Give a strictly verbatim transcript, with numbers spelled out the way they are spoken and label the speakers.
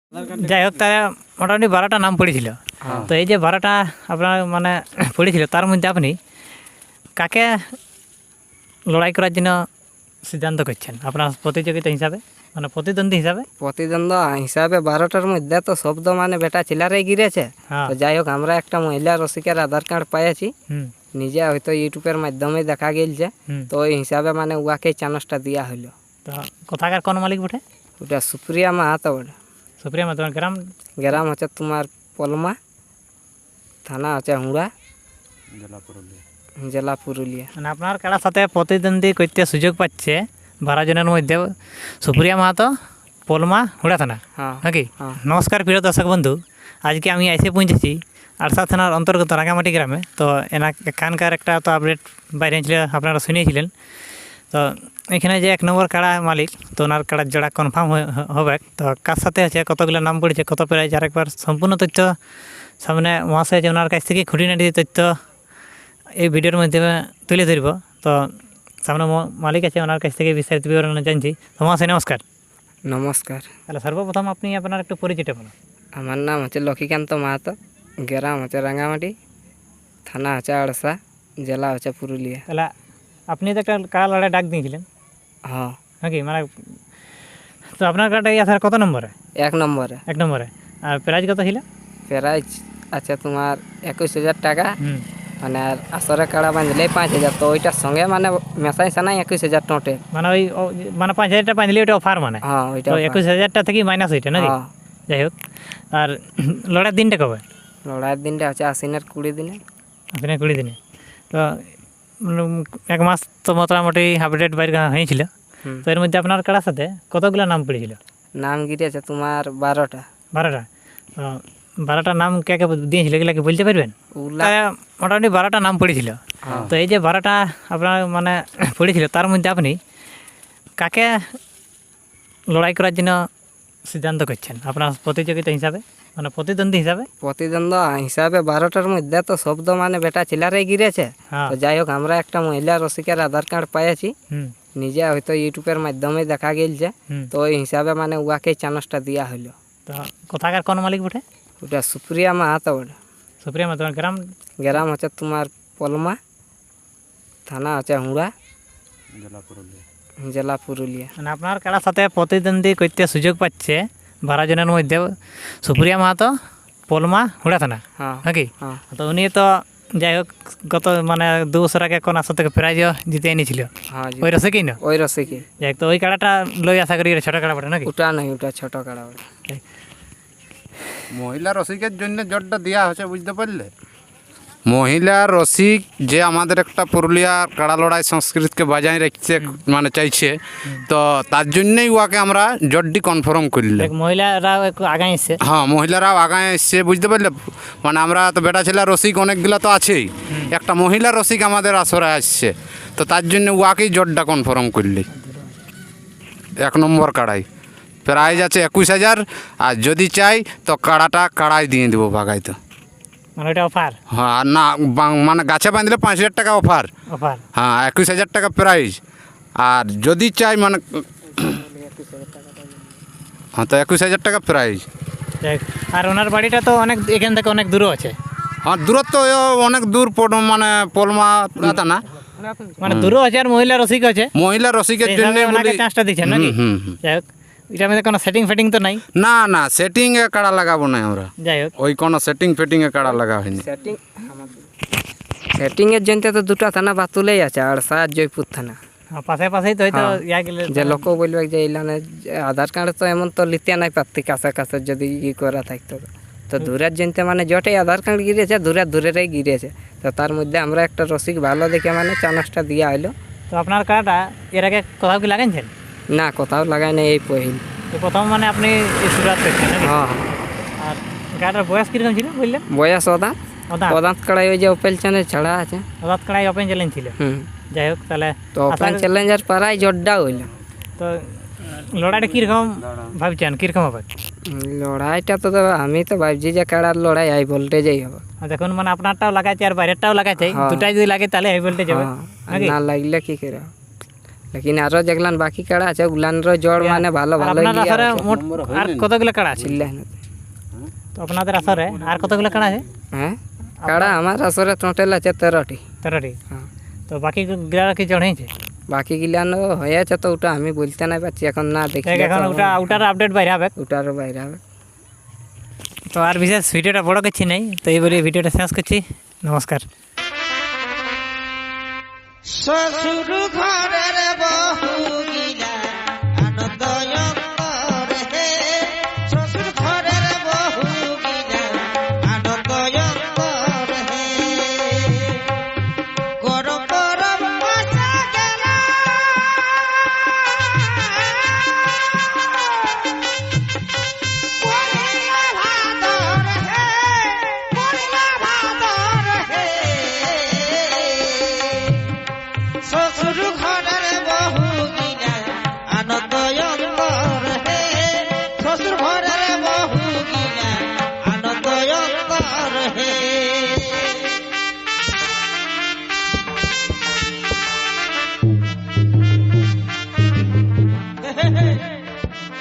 Speaker 1: যাই হোক তারা মোটামুটি বারোটা নাম পড়েছিল। তো এই যে বারোটা আপনার মানে পড়েছিল তার মধ্যে আপনি কাকে লড়াই করার জন্য সিদ্ধান্ত করছেন আপনার প্রতিযোগিতা হিসাবে, মানে প্রতিদ্বন্দ্বী হিসাবে?
Speaker 2: প্রতিদ্বন্দ্ব হিসাবে বারোটার মধ্যে তো শব্দ মানে বেটা ছেলেরাই গিরেছে।
Speaker 1: হ্যাঁ।
Speaker 2: তো যাই হোক আমরা একটা মহিলা রসিকের আধার কার্ড পাইছি,
Speaker 1: হুম
Speaker 2: নিজে হয়তো ইউটিউবের মাধ্যমে দেখা গেলছে।
Speaker 1: হুম
Speaker 2: তো ওই হিসাবে মানে উয়াকেই চানসটা দেওয়া হলো।
Speaker 1: তো কোথাকার কোন মালিক বটে?
Speaker 2: ওটা সুপ্রিয়া মাহাতো বলে।
Speaker 1: সুপ্রিয়া মা, তোমার গ্রাম?
Speaker 2: গ্রাম হচ্ছে তোমার পলমা, থানা হচ্ছে হুড়া, জেলা পুরুলিয়া।
Speaker 1: মানে আপনার কারার সাথে প্রতিদ্বন্দ্বী করতে সুযোগ পাচ্ছে বারো জনের মধ্যে সুপ্রিয়া মাহাতো, পলমা, হুড়া থানা,
Speaker 2: হ্যাঁ
Speaker 1: নাকি?
Speaker 2: হ্যাঁ।
Speaker 1: নমস্কার প্রিয় দর্শক বন্ধু, আজকে আমি এসে পৌঁছেছি আরসা থানার অন্তর্গত রাঙামাটি গ্রামে। তো এনা এখানকার একটা তো আপডেট বাইরে ছিল, আপনারা শুনিয়েছিলেন। তো এখানে যে এক নম্বর কাড়া মালিক, তো ওনার কাড়ার জোড়া কনফার্ম হবে। তো কার সাথে আছে, কতগুলো নাম পড়েছে, কত প্রাইজ, আরেকবার সম্পূর্ণ তথ্য সামনে মহাশয় আছে ওনার কাছ থেকে খুঁটিনাটি তথ্য এই ভিডিওর মাধ্যমে তুলে ধরব। তো সামনে মালিক আছে, ওনার কাছ থেকে বিস্তারিত বিবরণ জানছি। তো মহাশয় নমস্কার।
Speaker 2: নমস্কার।
Speaker 1: তাহলে সর্বপ্রথম আপনি আপনার একটু পরিচয়টা বলুন।
Speaker 2: আমার নাম হচ্ছে লক্ষ্মীকান্ত মাহাতো, গ্রাম হচ্ছে রাঙামাটি, থানা হচ্ছে আড়সা, জেলা হচ্ছে পুরুলিয়া।
Speaker 1: তাহলে আপনি তো একটা কাড়া লড়াই ডাক দিয়েছিলেন
Speaker 2: হ্যাঁ,
Speaker 1: নাকি? মানে তো আপনার কাড়াটা এই আসার কত নম্বরে?
Speaker 2: এক নম্বরে।
Speaker 1: এক নম্বরে। আর প্রাইজ কত ছিল?
Speaker 2: প্রাইজ আছে তোমার একুশ হাজার টাকা,
Speaker 1: হুম
Speaker 2: মানে আর আসরে কাড়া বাঁধলে পাঁচ হাজার। তো ওইটার সঙ্গে মানে মেশাই সানাই একুশ হাজার টোটেল।
Speaker 1: মানে ওই ও- মানে পাঁচ হাজারটা বাঁধলে ওটা অফার, মানে
Speaker 2: হ্যাঁ ওইটা
Speaker 1: তো একুশ হাজারটা থেকে মাইনাস ওইটা নাকি?
Speaker 2: হ্যাঁ।
Speaker 1: যাই হোক, আর লড়াইয়ের দিনটা কবে?
Speaker 2: লড়াইয়ের দিনটা হচ্ছে আশ্বিনের কুড়ি দিনে।
Speaker 1: আপনি কুড়ি দিনে। তো উম, এক মাস তো মোটামুটি আপডেট বাইর করা হয়েছিল।
Speaker 2: হুম।
Speaker 1: তো এর মধ্যে আপনার কাড়ার সাথে কতগুলো নাম পড়েছিল?
Speaker 2: নাম গিরেছে তোমার বারোটা।
Speaker 1: বারোটা। তো বারোটা নাম কে কে দিয়েছিল এগুলা কি বলতে পারবেন?
Speaker 2: ওগুলা
Speaker 1: তা মোটামুটি বারোটা নাম পড়েছিল।
Speaker 2: হ্যাঁ।
Speaker 1: তো এই যে বারোটা আপনার মানে পড়েছিল তার মধ্যে আপনি কাকে লড়াই করার জন্য সিদ্ধান্ত করছেন আপনার প্রতিযোগিতা হিসাবে, মানে প্রতিদ্বন্দ্বী হিসাবে?
Speaker 2: প্রতিদ্বন্দ্ব হিসাবে বারোটার মধ্যে তো শব্দ মানে বেটা ছেলেরাই গিরেছে।
Speaker 1: হ্যাঁ।
Speaker 2: তো যাই হোক আমরা একটা মহিলা রসিকের আধার কার্ড পাইছি,
Speaker 1: হুম
Speaker 2: নিজে হয়তো ইউটিউবের মাধ্যমে দেখা গেলছে।
Speaker 1: হুম
Speaker 2: তো ওই হিসাবে মানে উয়াকেই চানসটা দেওয়া হলো।
Speaker 1: তো কোথাকার কোন মালিক বটে?
Speaker 2: ওটা সুপ্রিয়া মাহাতো বলে।
Speaker 1: সুপ্রিয়া মা, তোমার গ্রাম?
Speaker 2: গ্রাম হচ্ছে তোমার পলমা, থানা হচ্ছে হুড়া, জেলা পুরুলিয়া।
Speaker 1: মানে আপনার কারার সাথে প্রতিদ্বন্দ্বী করতে সুযোগ পাচ্ছে বারো জনের মধ্যে সুপ্রিয়া মাহাতো, পলমা, হুড়া থানা,
Speaker 2: হ্যাঁ
Speaker 1: নাকি?
Speaker 2: হ্যাঁ
Speaker 1: তো উনি তো যাই হোক গত মানে দু বছর আগে কোন আসর থেকে প্রাইজও জিতে এনেছিল
Speaker 2: হ্যাঁ জি।
Speaker 1: ওই রসিকই না?
Speaker 2: ওই রসিকে।
Speaker 1: যাই হোক, তো ওই কাড়াটা লই আশা করি এটা ছোট কাড়া বটে নাকি?
Speaker 2: ওটা নয়, ওটা ছোট কাড়া বলে।
Speaker 3: মহিলা রসিকের জন্য জটটা দেওয়া হয়েছে, বুঝতে পারলে? মহিলা রসিক যে আমাদের একটা পুরুলিয়ার কাড়া লড়াই সংস্কৃতিকে বজায় রাখতে মানে চাইছে, তো তার জন্যই ওকে আমরা জটটি কনফার্ম করলে।
Speaker 1: দেখ, মহিলারাও একটু আগায় এসছে।
Speaker 3: হ্যাঁ, মহিলারাও আগায় এসছে, বুঝতে পারলে? মানে আমরা তো বেটা ছেলে রসিক অনেকগুলো তো আছেই, একটা মহিলা রসিক আমাদের আসরে আসছে, তো তার জন্য ওয়াকেই জটটা কনফার্ম করলি। এক নম্বর কাড়াই প্রাইজ আছে একুশ হাজার, আর যদি চাই তো কাড়াটা কাড়াই দিয়ে দেবো বাগাই। তো
Speaker 1: মানে ওইটা অফার?
Speaker 3: হ্যাঁ, আর না বাং- মানে গাছে বাঁধলে পাঁচ হাজার টাকা অফার।
Speaker 1: অফার।
Speaker 3: হ্যাঁ, একুশ হাজার টাকা প্রাইজ, আর যদি চাই মানে হ্যাঁ তো একুশ হাজার টাকা প্রাইজ।
Speaker 1: যাই হোক, আর ওনার বাড়িটা তো অনেক এখান থেকে অনেক দূরও আছে।
Speaker 3: হ্যাঁ, দূরত্ব অনেক দূর, পড়- মানে পলমা দাদা না,
Speaker 1: মানে দূরও আছে আর মহিলা রসিক আছে।
Speaker 3: মহিলা রসিকের জন্য
Speaker 1: ওনাকে
Speaker 3: বলি।
Speaker 1: চান্সটা দিচ্ছেন নাকি?
Speaker 3: হুম, হুম, হুম।
Speaker 1: যাই হোক, এটার মধ্যে কোনো সেটিং ফেটিং তো নাই?
Speaker 3: না না, সেটিংয়ে কাড়া লাগাবো না আমরা,
Speaker 1: যাই হোক,
Speaker 3: ওই কোনো সেটিং ফেটিংয়ে কাড়া লাগা হয়নি।
Speaker 2: সেটিং সেটিংয়ের জন্য তো দুটা থানা বাতুলেই আছে, আড়সা আর জয়পুর থানা।
Speaker 1: হ্যাঁ, পাশে পাশেই তো হয়তো
Speaker 2: হ্যাঁ।
Speaker 1: ইয়া গেলে
Speaker 2: যে লোক বলবে যে ইলানে আধার কার্ড তো এমন তো লিতে নাই পারতি, কাছে কাছে যদি ই করা থাকতো। তো দূরের জনতে মানে জটেই আধার কার্ড গিরেছে, দূরের দূরেরই গিরেছে। তো তার মধ্যে আমরা একটা রসিক ভালো দেখে মানে চানসটা দিয়া হইলো।
Speaker 1: তো আপনার কাড়াটা এর আগে কোথাও কি লাগাইছেন?
Speaker 2: না, কোথাও লাগাই নাই, এই পহিল।
Speaker 1: তো প্রথম মানে আপনি এই শুরুয়াত করছেন নাকি?
Speaker 2: হ্যাঁ।
Speaker 1: আর গাড়ার বয়স কিরকম ছিল বললেন?
Speaker 2: বয়স ওদাঁত
Speaker 1: ওদাঁত?
Speaker 2: ওদাঁত কাড়াই ওই যে ওপেল চ্যানেল ছাড়া আছে।
Speaker 1: ওদাঁত কাড়াই ওপেন চ্যালেঞ্জ ছিল।
Speaker 2: হুম।
Speaker 1: যাই হোক, তাহলে
Speaker 2: তো ওপেন চ্যালেঞ্জার পাড়াই জোরটা হইলো।
Speaker 1: তো লড়াইটা কীরকম ভাবছেন, কীরকম হবে?
Speaker 2: লড়াইটা তো তো আমি তো ভাবছি যে কাড়ার লড়াই হাই ভোল্টেজেই হবে।
Speaker 1: আর দেখুন, মানে আপনারটাও লাগাচ্ছে আর বাইরেরটাও লাগাচ্ছে,
Speaker 2: হ্যাঁ।
Speaker 1: দুটাই যদি লাগে তাহলে হাই ভোল্টেজ হবে
Speaker 2: হ্যাঁ, আর
Speaker 1: নাকি?
Speaker 2: না লাগলে কি করে হবে? লেকিন আরো যেগুলান বাকি কাড়া আছে ওগুলানের জড় মানে ভালো
Speaker 1: আর
Speaker 2: ভালো
Speaker 1: আপনার আসরে মোট আর কতগুলো কাড়া আছে
Speaker 2: ছিল
Speaker 1: তো আপনাদের আসরে আর কতগুলো কাড়া আছে
Speaker 2: হ্যাঁ কাড়া আমার আসরে টোটাল আছে তেরোটি
Speaker 1: তেরোটি
Speaker 2: হ্যাঁ
Speaker 1: তো বাকি গিলা কি জড় হয়েছে
Speaker 2: বাকি গিলানো হয়েছে তো ওটা আমি বলতে নাই পারছি এখন না দেখি
Speaker 1: দেখ এখন ওটা ওটার আপডেট বাইরে হবে
Speaker 2: ওটারও বাইরে হবে
Speaker 1: তো আর বিশেষ ভিডিওটা বড় করছি নাই তো এই বলে ভিডিওটা শেষ করছি নমস্কার
Speaker 4: শ্বশুর ঘরের বউ